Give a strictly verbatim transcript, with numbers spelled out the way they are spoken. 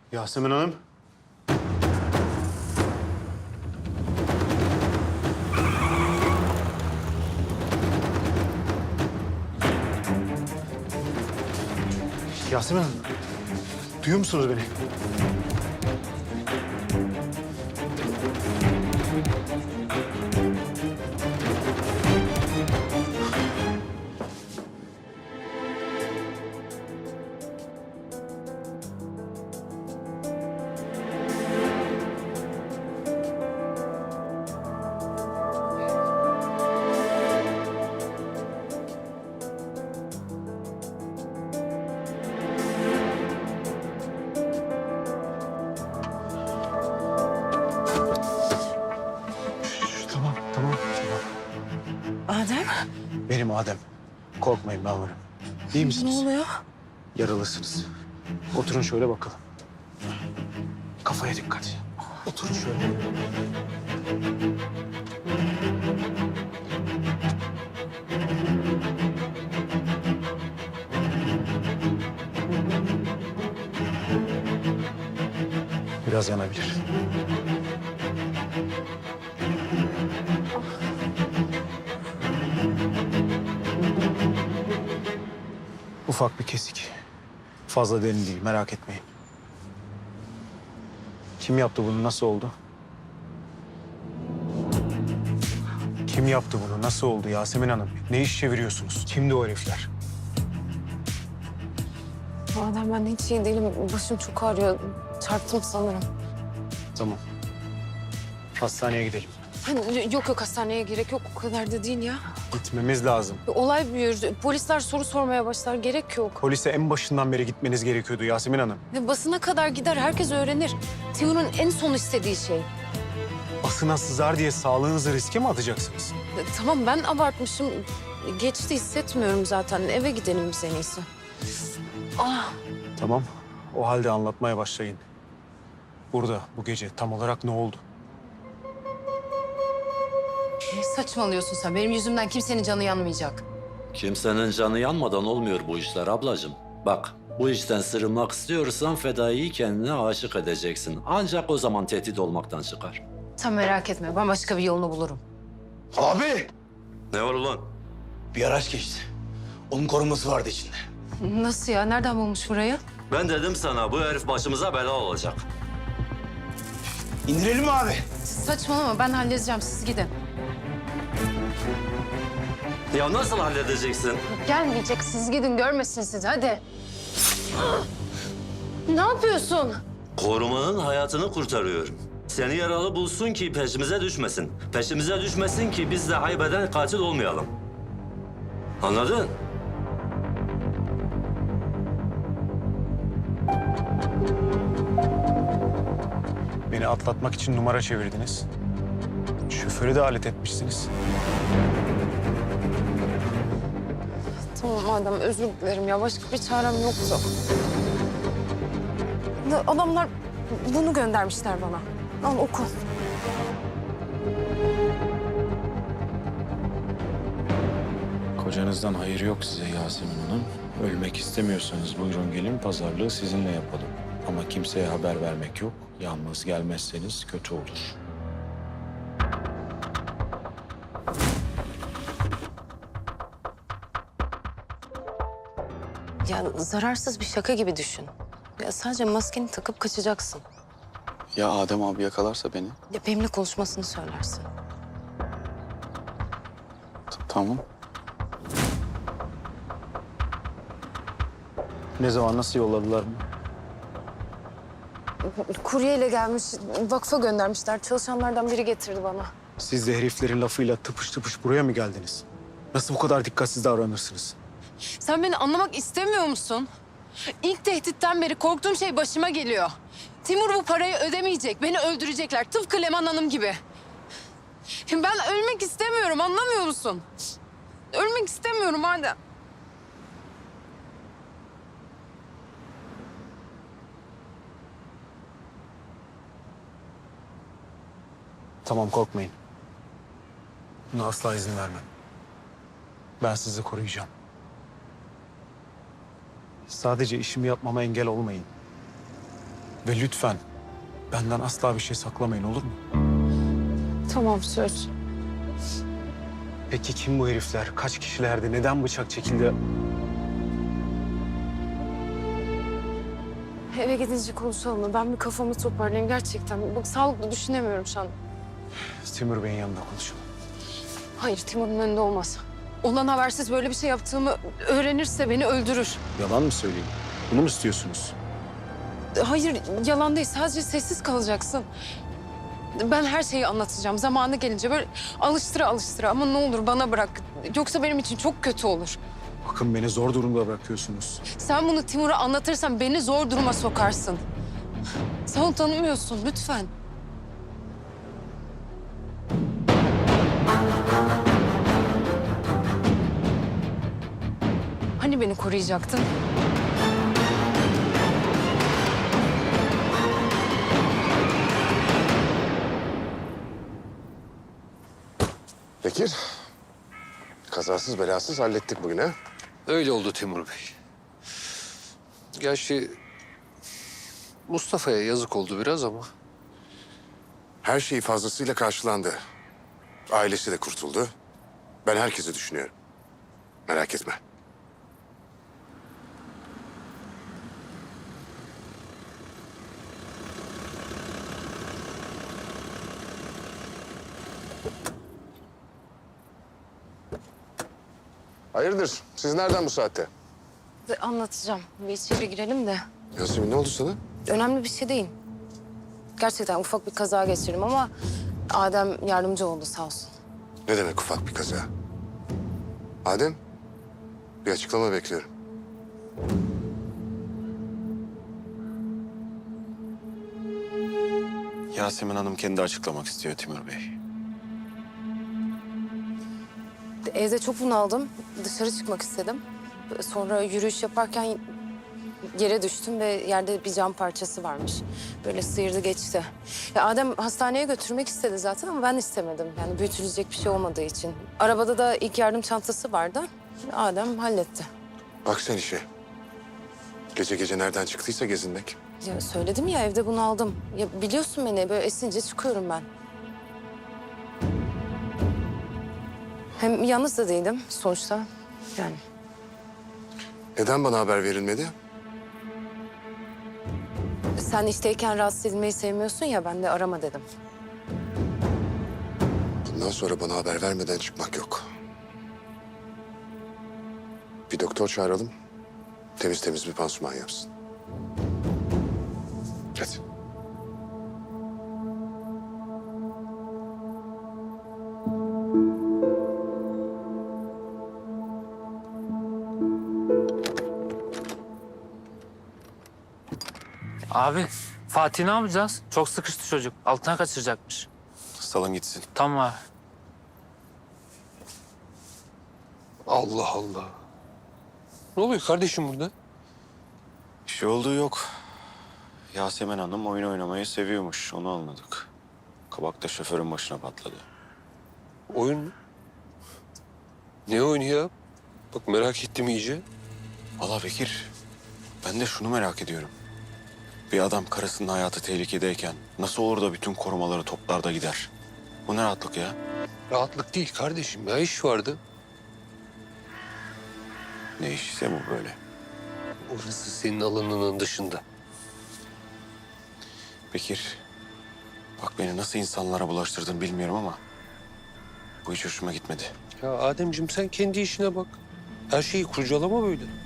Yasemin Hanım. Yasemin Hanım. Duyuyor musunuz beni? Tamam, tamam, tamam. Adem, Benim Adem. Korkmayın ben varım. İyi misiniz? ne oluyor? Yaralısınız. Oturun şöyle bakalım. Kafaya dikkat. Oturun şöyle. Biraz yanabilir. Ufak bir kesik. Fazla derin değil, merak etmeyin. Kim yaptı bunu, nasıl oldu? Kim yaptı bunu, nasıl oldu Yasemin Hanım? Ne iş çeviriyorsunuz? Kimdi o herifler? Adem ben hiç iyi değilim. Başım çok ağrıyor. Çarptım sanırım. Tamam. Hastaneye gidelim. Hani yok yok hastaneye gerek yok. O kadar da değil ya. Gitmemiz lazım. Olay büyür. Polisler soru sormaya başlar. Gerek yok. Polise en başından beri gitmeniz gerekiyordu Yasemin Hanım. Ve basına kadar gider. Herkes öğrenir. Timur'un en son istediği şey. Basına sızar diye sağlığınızı riske mi atacaksınız? E, Tamam ben abartmışım. Geçti hissetmiyorum zaten. Eve gidelim biz en iyisi. Ah, Tamam. O halde anlatmaya başlayın. Burada, bu gece tam olarak ne oldu? ne saçmalıyorsun sen? Benim yüzümden kimsenin canı yanmayacak. Kimsenin canı yanmadan olmuyor bu işler ablacığım. Bak, bu işten sırılmak istiyorsan Fedai'yi kendine aşık edeceksin. Ancak o zaman tehdit olmaktan çıkar. Sen merak etme. Ben başka bir yolunu bulurum. Abi! Ne var ulan? Bir araç geçti. Onun koruması vardı içinde. Nasıl ya? Nereden bulmuş burayı? Ben dedim sana bu herif başımıza bela olacak. İndirelim mi abi? Saçmalama. Ben halledeceğim. Siz gidin. Ya nasıl halledeceksin? Gelmeyecek. Siz gidin. Görmesin sizi. Hadi. Ne yapıyorsun? Korumanın hayatını kurtarıyorum. Seni yaralı bulsun ki peşimize düşmesin. Peşimize düşmesin ki biz de haybeden katil olmayalım. Anladın? Beni atlatmak için numara çevirdiniz. Şoförü de alet etmişsiniz. Tamam Adem. Özür dilerim ya. Başka bir çarem yoktu. Da- Adamlar bunu göndermişler bana. Al oku. Kocanızdan hayır yok size Yasemin Hanım. Ölmek istemiyorsanız buyurun gelin pazarlığı sizinle yapalım. Ama kimseye haber vermek yok. Yalnız gelmezseniz kötü olur. Ya zararsız bir şaka gibi düşün. Ya sadece maskeni takıp kaçacaksın. Ya Adem abi yakalarsa beni? Ya benimle konuşmasını söylersin. T- Tamam. Ne zaman, nasıl yolladılar mı? Kuryeyle gelmiş, vakfa göndermişler. Çalışanlardan biri getirdi bana. Siz de heriflerin lafıyla tıpış tıpış buraya mı geldiniz? Nasıl bu kadar dikkatsiz davranırsınız? Sen beni anlamak istemiyor musun? İlk tehditten beri korktuğum şey başıma geliyor. Timur bu parayı ödemeyecek. Beni öldürecekler. Tıpkı Leman Hanım gibi. Ben ölmek istemiyorum. Anlamıyor musun? Ölmek istemiyorum Adem. Tamam, korkmayın. Buna asla izin vermem. Ben sizi koruyacağım. Sadece işimi yapmama engel olmayın. Ve lütfen benden asla bir şey saklamayın, olur mu? Tamam, söz. Peki kim bu herifler? Kaç kişilerdi? Neden bıçak çekildi? Eve gidince konuşalım mı? Ben bir kafamı toparlayayım gerçekten. Bak sağlıklı düşünemiyorum şu an. Timur Bey'in yanında konuşalım. Hayır, Timur'un önünde olmaz. Ondan habersiz böyle bir şey yaptığımı öğrenirse beni öldürür. Yalan mı söyleyeyim? Bunu mu istiyorsunuz? Hayır, yalan değil. Sadece sessiz kalacaksın. Ben her şeyi anlatacağım. Zamanı gelince böyle alıştıra alıştıra. Ama ne olur bana bırak. Yoksa benim için çok kötü olur. Bakın beni zor durumda bırakıyorsunuz. Sen bunu Timur'a anlatırsan beni zor duruma sokarsın. Sen onu tanımıyorsun. Lütfen. Hani beni koruyacaktın? Bekir, kazasız belasız hallettik bugün ha? Öyle oldu Timur Bey. Gerçi Mustafa'ya yazık oldu biraz ama Her şey fazlasıyla karşılandı. Ailesi de kurtuldu. Ben herkesi düşünüyorum. Merak etme. Hayırdır? Siz nereden bu saatte? De- Anlatacağım. Bir içeri girelim de. Yasemin ne oldu sana? Önemli bir şey değil. Gerçekten ufak bir kaza geçirdim ama Adem yardımcı oldu sağ olsun. Ne demek ufak bir kaza? Adem, bir açıklama bekliyorum. Yasemin Hanım kendi açıklamak istiyor Timur Bey. Evde çok bunaldım. Dışarı çıkmak istedim. Sonra yürüyüş yaparken yere düştüm ve yerde bir cam parçası varmış. Böyle sıyırdı geçti. Ya Adem hastaneye götürmek istedi zaten ama ben istemedim. Yani büyütülecek bir şey olmadığı için. Arabada da ilk yardım çantası vardı. Adem halletti. Bak sen işe. Gece gece nereden çıktıysa gezinmek. Ya söyledim ya evde bunaldım. Ya biliyorsun beni böyle esince çıkıyorum ben. Hem yalnız da değilim sonuçta. Yani Neden bana haber verilmedi? sen işteyken rahatsız edilmeyi sevmiyorsun ya ben de arama dedim. Bundan sonra bana haber vermeden çıkmak yok. Bir doktor çağıralım. Temiz temiz bir pansuman yapsın. Hadi. Abi Fatih ne yapacağız? Çok sıkıştı çocuk. Altına kaçıracakmış. Salın gitsin. Tamam abi. Allah Allah. Ne oluyor kardeşim burada? Bir şey olduğu yok. Yasemin Hanım oyun oynamayı seviyormuş. Onu anladık. Kabak da şoförün başına patladı. Oyun mu? Ne oyunu ya? Bak merak ettim iyice. Vallahi Bekir, ben de şunu merak ediyorum. Bir adam karısının hayatı tehlikedeyken nasıl olur da bütün korumaları toplar da gider? Bu ne rahatlık ya? Rahatlık değil kardeşim ya iş vardı. Ne iş ise bu böyle. Orası senin alanının dışında. Bekir, bak beni nasıl insanlara bulaştırdın bilmiyorum ama bu hiç hoşuma gitmedi. Ya Ademciğim sen kendi işine bak. Her şeyi kurcalama böyle.